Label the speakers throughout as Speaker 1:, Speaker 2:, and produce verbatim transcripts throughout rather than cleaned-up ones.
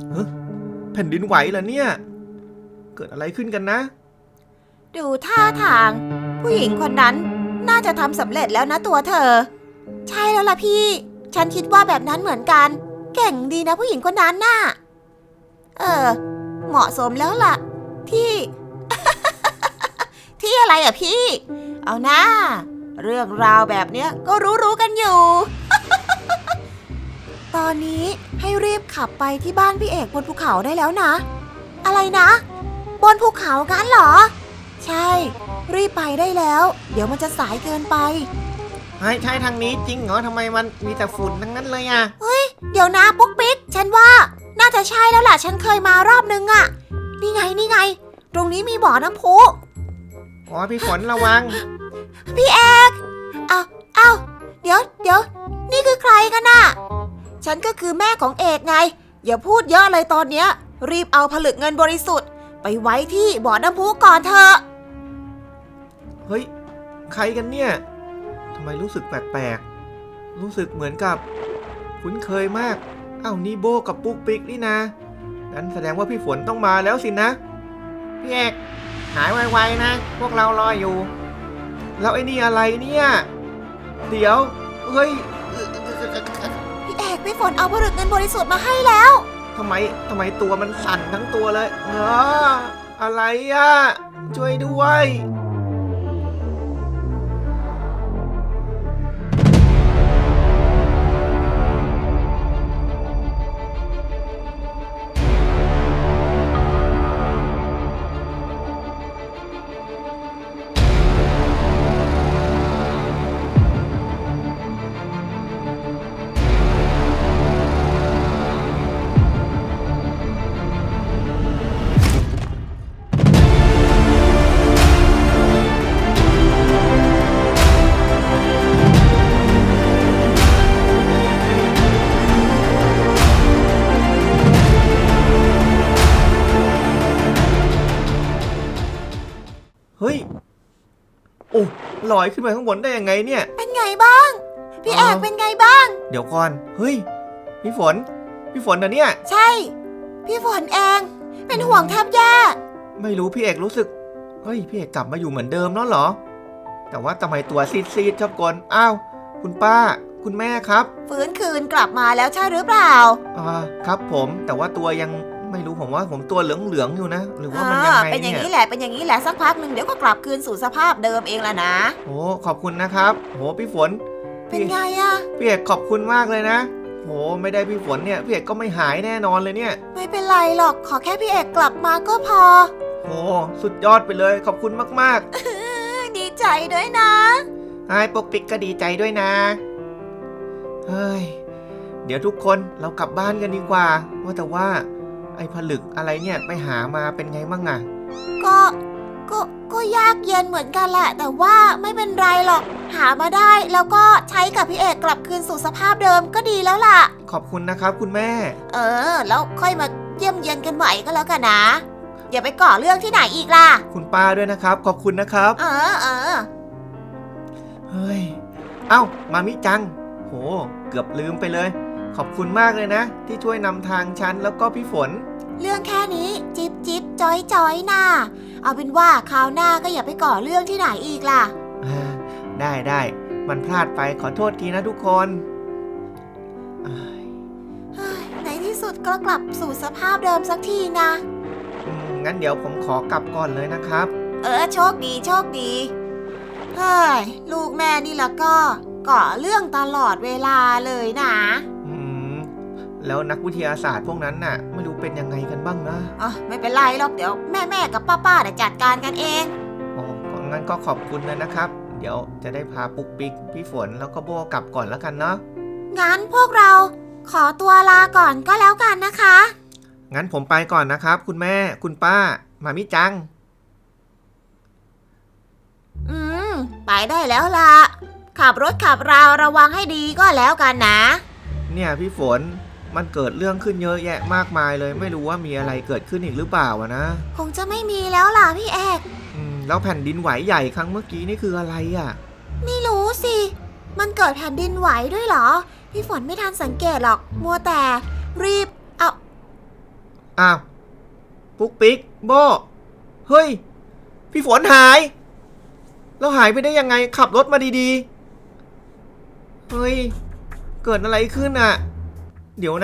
Speaker 1: เฮ้ยแผ่นดินไหวเหรอเนี่ยเกิดอะไรขึ้นกันนะ
Speaker 2: ดูท่าทางผู้หญิงคนนั้นน่าจะทำสำเร็จแล้วนะตัวเธอใช่แล้วล่ะพี่ฉันคิดว่าแบบนั้นเหมือนกันเก่งดีนะผู้หญิงคนนั้นน่ะเออเหมาะสมแล้วล่ะที่ ที่อะไรอ่ะพี่เอาหน้าเรื่องราวแบบเนี้ยก็รู้ๆกันอยู่ ตอนนี้ให้รีบขับไปที่บ้านพี่เอกบนภูเขาได้แล้วนะอะไรนะบนภูเขากันเหรอใช่รีบไปได้แล้วเดี๋ยวมันจะสายเกินไป
Speaker 1: ใช่ใช่ทางนี้จริงเหรอทำไมมันมีแต่ฝุ่นทั้งนั้นเลยอ่ะ
Speaker 2: เฮ้ยเดี๋ยวนะปุ๊กปิ๊กฉันว่าน่าจะใช่แล้วล่ะฉันเคยมารอบนึงอ่ะนี่ไงนี่ไงตรงนี้มีบ่อน้ำพุ
Speaker 1: อ๋อพี่ฝนระวัง
Speaker 2: พี่เอกเอาเอาเดี๋ยวเดี๋ยวนี่คือใครกันน่ะฉันก็คือแม่ของเอกไงอย่าพูดเยอะเลยตอนเนี้ยรีบเอาผลึกเงินบริสุทธิ์ไปไว้ที่บ่อน้ำพุก่อนเถอะ
Speaker 1: เฮ้ยใครกันเนี่ยทำไมรู้สึกแปลกๆรู้สึกเหมือนกับคุ้นเคยมากอ้าวนี่โบกับปุ๊กปิ๊กนี่นะงั้นแสดงว่าพี่ฝนต้องมาแล้วสินะพี่เอกหายไวๆนะพวกเรารออยู่แล้วไอ้นี่อะไรเนี่ยเดี๋ยวเฮ้ย
Speaker 2: พี่เอกพี่ฝนเอาผลึกเงินบริสุทธิ์มาให้แล้ว
Speaker 1: ทำไมทำไมตัวมันสั่นทั้งตัวเลยเอออะไรอ่ะช่วยด้วยเฮ้ยโอ้ลอยขึ้นไปข้างบนได้ยังไงเนี่ย
Speaker 2: เป็นไงบ้างพี่เอกเป็นไงบ้าง
Speaker 1: เดี๋ยวก่อนเฮ้ยพี่ฝนพี่ฝนนะเนี่ย
Speaker 2: ใช่พี่ฝนเองเป็นห่วงแทบแย่
Speaker 1: ไม่รู้พี่เอกรู้สึกเฮ้ยพี่เอกกลับมาอยู่เหมือนเดิมแล้วเหรอแต่ว่าทำไมตัวซีดๆชอบกลอ้าวคุณป้าคุณแม่ครับ
Speaker 2: ฟื้นคืนกลับมาแล้วใช่หรือเปล่า
Speaker 1: อ่าครับผมแต่ว่าตัวยังไม่รู้ผมว่าผมตัวเหลืองๆอยู่นะหรือว่ามันยังไงเนี่ย
Speaker 2: เป็นอย่างนี้แหละเป็นอย่างนี้แหละสักพักหนึ่งเดี๋ยวก็กลับคืนสู่สภาพเดิมเองละนะ
Speaker 1: โอ้ขอบคุณนะครับโหพี่ฝน
Speaker 2: เป็นไงอะ
Speaker 1: พี่เอกขอบคุณมากเลยนะโหไม่ได้พี่ฝนเนี่ยพี่เอกก็ไม่หายแน่นอนเลยเนี่ย
Speaker 2: ไม่เป็นไรหรอกขอแค่พี่เอกกลับมาก็พอ
Speaker 1: โหสุดยอดไปเลยขอบคุณมาก
Speaker 2: ๆ ดีใจด้วยนะ
Speaker 1: ไอ้ปกปิกก็ดีใจด้วยนะเฮ้ยเดี๋ยวทุกคนเรากลับบ้านกันดีกว่าว่าแต่ว่าไอ้ผลึกอะไรเนี่ยไปหามาเป็นไงบ้างอะ
Speaker 2: ก็ก็ก็ยากเย็นเหมือนกันแหละแต่ว่าไม่เป็นไรหรอกหามาได้แล้วก็ใช้กับพี่เอกกลับคืนสู่สภาพเดิมก็ดีแล้วล่ะ
Speaker 1: ขอบคุณนะครับคุณแม่
Speaker 2: เออแล้วค่อยมาเยี่ยมเยียนกันใหม่ก็แล้วกันนะอย่าไปก่อเรื่องที่ไหนอีกล่ะ
Speaker 1: คุณป้าด้วยนะครับขอบคุณนะครับ
Speaker 2: เออเออ
Speaker 1: เฮ้ยเอ้ามามิจังโหเกือบลืมไปเลยขอบคุณมากเลยนะที่ช่วยนำทางฉันแล้วก็พี่ฝน
Speaker 2: เรื่องแค่นี้จิบจิบจอยจอยน่าเอาเป็นว่าคราวหน้าก็อย่าไปก่อเรื่องที่ไหนอีกล่ะ
Speaker 1: ได้ได้มันพลาดไปขอโทษทีนะทุกคน
Speaker 2: ในที่สุดก็กลับสู่สภาพเดิมสักทีนะ
Speaker 1: งั้นเดี๋ยวผมขอกลับก่อนเลยนะครับ
Speaker 2: เออโชคดีโชคดีเฮ้ยลูกแม่นี่ละก็ก่อเรื่องตลอดเวลาเลยนะ
Speaker 1: อืมแล้วนักวิทยาศาสตร์พวกนั้นน่ะไม่รู้เป็นยังไงกันบ้างนะ
Speaker 2: อ๋อไม่เป็นไรหรอกเดี๋ยวแม่แม่กับป้าป้าจะจัดการกันเอง
Speaker 1: อ๋องั้นก็ขอบคุณเลยนะครับเดี๋ยวจะได้พาปุ๊กปิ๊กพี่ฝนแล้วก็โบกลับก่อนแล้วกันเนาะ
Speaker 2: งั้นพวกเราขอตัวลาก่อนก็แล้วกันนะคะ
Speaker 1: งั้นผมไปก่อนนะครับคุณแม่คุณป้ามามิจัง
Speaker 2: อืมไปได้แล้วล่ะขับรถขับราระวังให้ดีก็แล้วกันนะ
Speaker 1: เนี่ยพี่ฝนมันเกิดเรื่องขึ้นเยอะแยะมากมายเลยไม่รู้ว่ามีอะไรเกิดขึ้นอีกหรือเปล่านะ
Speaker 2: คงจะไม่มีแล้วล่ะพี่เอก
Speaker 1: อืมแล้วแผ่นดินไหวใหญ่ครั้งเมื่อกี้นี่คืออะไรอ่ะ
Speaker 2: ไม่รู้สิมันเกิดแผ่นดินไหวด้วยเหรอพี่ฝนไม่ทันสังเกตหรอกมัวแต่รีบเอา
Speaker 1: อ้าวปุ๊กปิ๊กโบเฮ้ยพี่ฝนหายแล้วหายไปได้ยังไงขับรถมาดีๆเฮ้ยเกิดอะไรขึ้นอ่ะเดี๋ยวนะ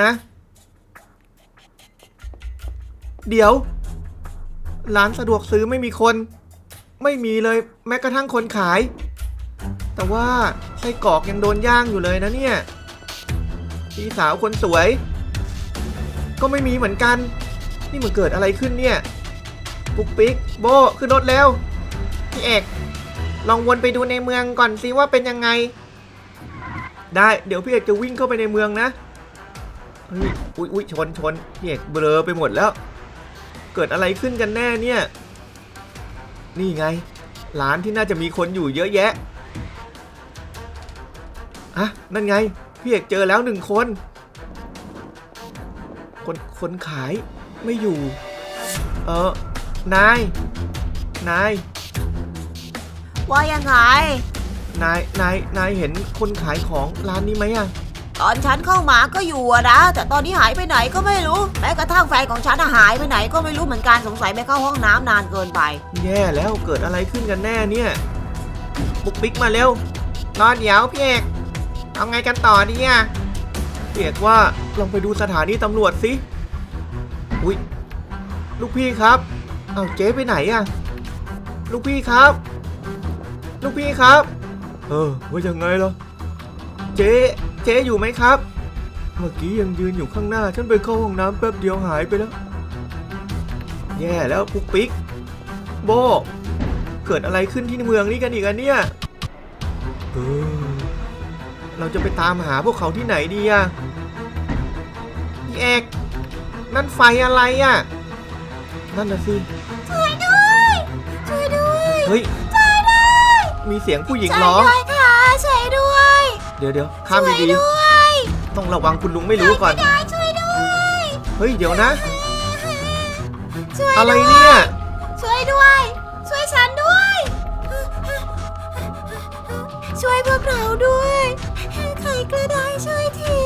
Speaker 1: เดี๋ยวร้านสะดวกซื้อไม่มีคนไม่มีเลยแม้กระทั่งคนขายแต่ว่าไส้กรอกยังโดนย่างอยู่เลยนะเนี่ยพี่สาวคนสวยก็ไม่มีเหมือนกันนี่มันเกิดอะไรขึ้นเนี่ยปุ๊กปิ๊กโบขึ้นรถแล้วพี่เอกลองวนไปดูในเมืองก่อนสิว่าเป็นยังไงได้เดี๋ยวพี่เอกจะวิ่งเข้าไปในเมืองนะเฮ้ยอุ๊ยอุ๊ยชนชนพี่เอกเบลอไปหมดแล้วเกิดอะไรขึ้นกันแน่เนี่ยนี่ไงร้านที่น่าจะมีคนอยู่เยอะแยะอ่ะนั่นไงพี่เอกเจอแล้วหนึ่งคนคนคนขายไม่อยู่เออนายนาย
Speaker 2: ว่ายังไง
Speaker 1: นายนายนายเห็นคนขายของร้านนี้ไหมอะ
Speaker 2: ตอนฉันเข้ามาก็อยู่อะนะแต่ตอนนี้หายไปไหนก็ไม่รู้แม้กระทั่งแฟนของฉันอะหายไปไหนก็ไม่รู้เหมือนกันสงสัยไปเข้าห้องน้ำนานเกินไป
Speaker 1: แย่แล้วเกิดอะไรขึ้นกันแน่เนี่ยปุ๊กปิ๊กมาเร็วรอเดี๋ยวพี่เอกเอาไงกันต่อดีอะพี่เอกว่าลองไปดูสถานีตำรวจสิอุ๊ยลูกพี่ครับเอาเจ๊ไปไหนอะลูกพี่ครับลูกพี่ครับเออว่ายังไงล่ะเจ๊เจ๊อยู่ไหมครับเมื่อกี้ยังยืนอยู่ข้างหน้าฉันไปเข้าห้องน้ำแป๊บเดียวหายไปแล้วแย่แล้วปุ๊กปิ๊กโบเกิดอะไรขึ้นที่เมืองนี้กันอีกอะเนี่ยเออเราจะไปตามหาพวกเขาที่ไหนดีอะพี่เอกนั่นไฟอะไรอะนั่นน่ะสิ
Speaker 2: ช่วยด้วยช่วยด้วย
Speaker 1: เฮ้ยมีเสียงผู้หญิงร้อง
Speaker 2: ช่วยด้วยค่ะช่วยด้วย
Speaker 1: เดี๋ยวเดี๋ยวข้ามดีๆต้องระวังคุณลุงไม่รู้ก่อน
Speaker 2: ช่วยด้วย
Speaker 1: เฮ้ยเดี๋ยวนะ
Speaker 2: ช่วย
Speaker 1: อะไรเนี่ย
Speaker 2: ช่วยด้วยช่วยฉันด้วยช่วยพวกเราด้วยใครก็ได้ช่วยที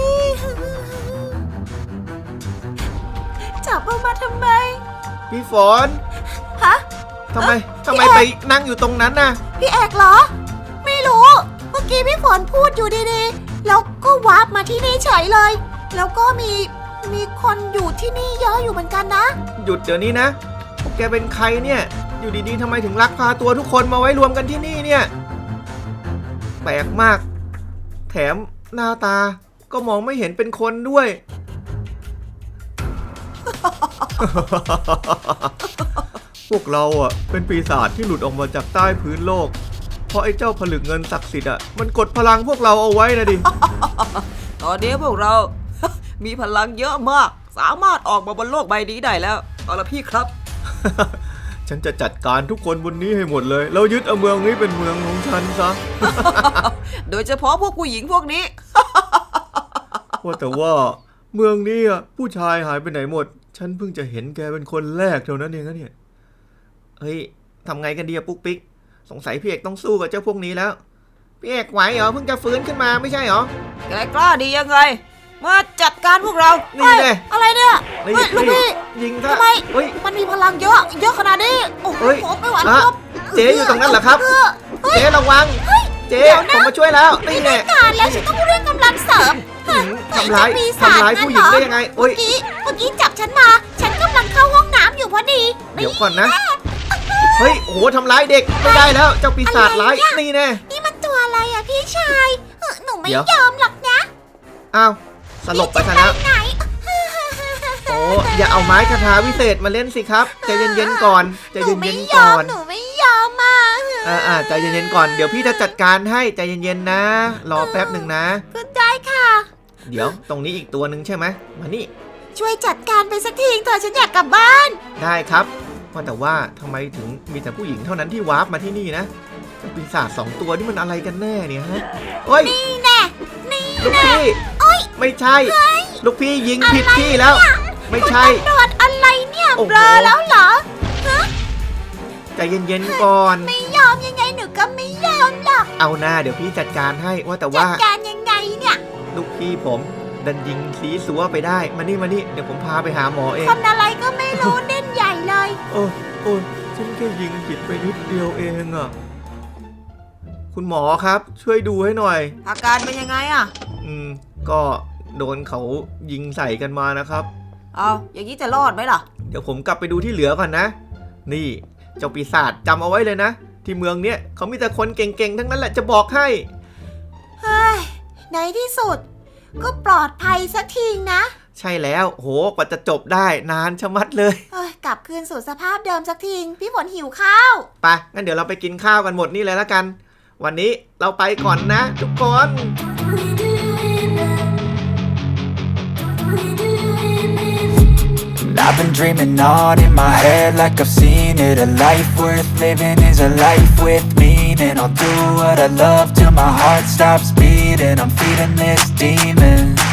Speaker 2: จับเอามาทำไม
Speaker 1: พี่ฝน
Speaker 2: ฮะ
Speaker 1: ทำไมทำไมไปนั่งอยู่ตรงนั้นน่ะ
Speaker 2: พี่เอกเหรอไม่รู้เมื่อกี้พี่ฝนพูดอยู่ดีๆแล้วก็วาร์ปมาที่นี่เฉยเลยแล้วก็มีมีคนอยู่ที่นี่เยอะอยู่เหมือนกันนะ
Speaker 1: หยุดเดี๋ยวนี้นะพวกแกเป็นใครเนี่ยอยู่ดีๆทำไมถึงลักพาตัวทุกคนมาไว้รวมกันที่นี่เนี่ยแปลกมากแถมหน้าตาก็มองไม่เห็นเป็นคนด้วย พวกเราอ่ะเป็นปีศาจที่หลุดออกมาจากใต้พื้นโลกเพราะไอ้เจ้าผลึกเงินศักดิ์สิทธิ์อ่ะมันกดพลังพวกเราเอาไว้นะดิ
Speaker 3: ตอนนี้พวกเรา มีพลังเยอะมากสามารถออกมาบนโลกใบนี้ได้แล้วเอาละพี่ครับ
Speaker 1: ฉันจะจัดการทุกคนบนนี้ให้หมดเลยแล้วยึดเอาเมืองนี้เป็นเมืองของฉันซะ
Speaker 3: โดยเฉพาะพวกผู้หญิงพวกนี้
Speaker 1: ว่าแต่ว่าเมืองนี้อ่ะผู้ชายหายไปไหนหมดฉันเพิ่งจะเห็นแกเป็นคนแรกเท่านั้นเองนะเนี่ยเฮ้ยทำไงกันดีอะปุ๊กปิ๊กสงสัยพี่เอกต้องสู้กับเจ้าพวกนี้แล้วพี่เอกไหวเหรอเพิ่งจะฟื้นขึ้นมาไม่ใช่เหรอ
Speaker 3: แกกล้าดียังไงมาจัดการพวกเรา
Speaker 1: นี่เลย
Speaker 2: อะไรเนี่ยลูกพี่
Speaker 1: ยิง
Speaker 2: ทำไมมันมีพลังเยอะเยอะขนาดนี้โอ้โหไม่ไหวแล้ว
Speaker 1: เจ๊อยู่ตรงนั้นเหรอครับเจ๊ระวังเจ๊ผมมาช่วยแล้วนี่แน่
Speaker 2: การแล้วฉันต้องเรียกกำลังเสริม
Speaker 1: ทำร้ายทำร้ายผู้หญิงได้ยังไง
Speaker 2: เมื่อกี้เมื่อกี้จับฉันมาฉันกำลังเข้าห้องน้ำอยู่พอดี
Speaker 1: เดี๋ยวก่อนนะเฮ้ยโอ้โหทำร้ายเด็กไม่ได้แล้วเจ้าปีศาจร้ายนี่แน่
Speaker 2: นี่มันตัวอะไรอะพี่ชายหนูไม่ยอมหรอกนะ
Speaker 1: อ้าวสลบไปซะแล้วโอ้อย่าเอาไม้คาถาวิเศษมาเล่นสิครับใจเย็นๆก่อนใจเย็นๆก่อน
Speaker 2: หนูไม่ยอมมา
Speaker 1: อ่าใจเย็นๆก่อนเดี๋ยวพี่จะจัดการให้ใจเย็นๆนะรอแป๊บหนึ่งนะ
Speaker 2: ก็ได้ค่ะ
Speaker 1: เดี๋ยวตรงนี้อีกตัวหนึ่งใช่ไหมมานี่
Speaker 2: ช่วยจัดการไปสักทีเถอะฉันอยากกลับบ้าน
Speaker 1: ได้ครับว่าแต่ว่าทำไมถึงมีแต่ผู้หญิงเท่านั้นที่วาร์ปมาที่นี่นะปีศาจสองตัวนี่มันอะไรกันแน่เนี่ยฮะโอ้ย
Speaker 2: นี่แน่นี่
Speaker 1: ลูกพี่ไม่ใช่ลูกพี่ยิงผิดที่แล้วไม่ใช่
Speaker 2: ตำรวจอะไรเนี่ยเบลอแล้วเหรอฮะ
Speaker 1: ใจเย็นๆก่อน
Speaker 2: ไม่ยอมยังไงหนูก็ไม่ยอมหรอก
Speaker 1: เอาหน้าเดี๋ยวพี่จัดการให้ว่าแต่ว่า
Speaker 2: จัดการยังไงเนี่ย
Speaker 1: ลูกพี่ผมดันยิงสีสัวไปได้มานี่มานี่เดี๋ยวผมพาไปหาหมอเอง
Speaker 2: คนอะไรก็ไม่รู้ เด่นใหญ่เลย
Speaker 1: โอ้โอ้ฉันแค่ยิงผิดไปนิดเดียวเองอะคุณหมอครับช่วยดูให้หน่อย
Speaker 3: อาการเป็นยังไงอ่ะ
Speaker 1: อืมก็โดนเขายิงใส่กันมานะครับ
Speaker 3: เอาอย่างนี้จะรอดไหมล่ะ
Speaker 1: เดี๋ยวผมกลับไปดูที่เหลือก่อนนะ นี่เจ้าปีศาจจำเอาไว้เลยนะ ที่เมืองเนี้ยเขามีแต่คนเก่งๆทั้งนั้นแหละจะบอกให้
Speaker 2: เฮ้ย ในที่สุด ก็ปลอดภัยสักทีนะ
Speaker 1: ใช่แล้วโหกว่าจะจบได้นานชะมัดเลย
Speaker 2: เอ้ยกลับคืนสู่สภาพเดิมสักทีพี่ฝนหิวข้าว
Speaker 1: ไปงั้นเดี๋ยวเราไปกินข้าวกันหมดนี่เลยละกัน วันนี้เราไปก่อนนะทุกคน
Speaker 4: I've been dreaming on in my head like I've seen it. A life worth living is a life with meaning. I'll do what I love till my heart stops beating. I'm feeding this demon.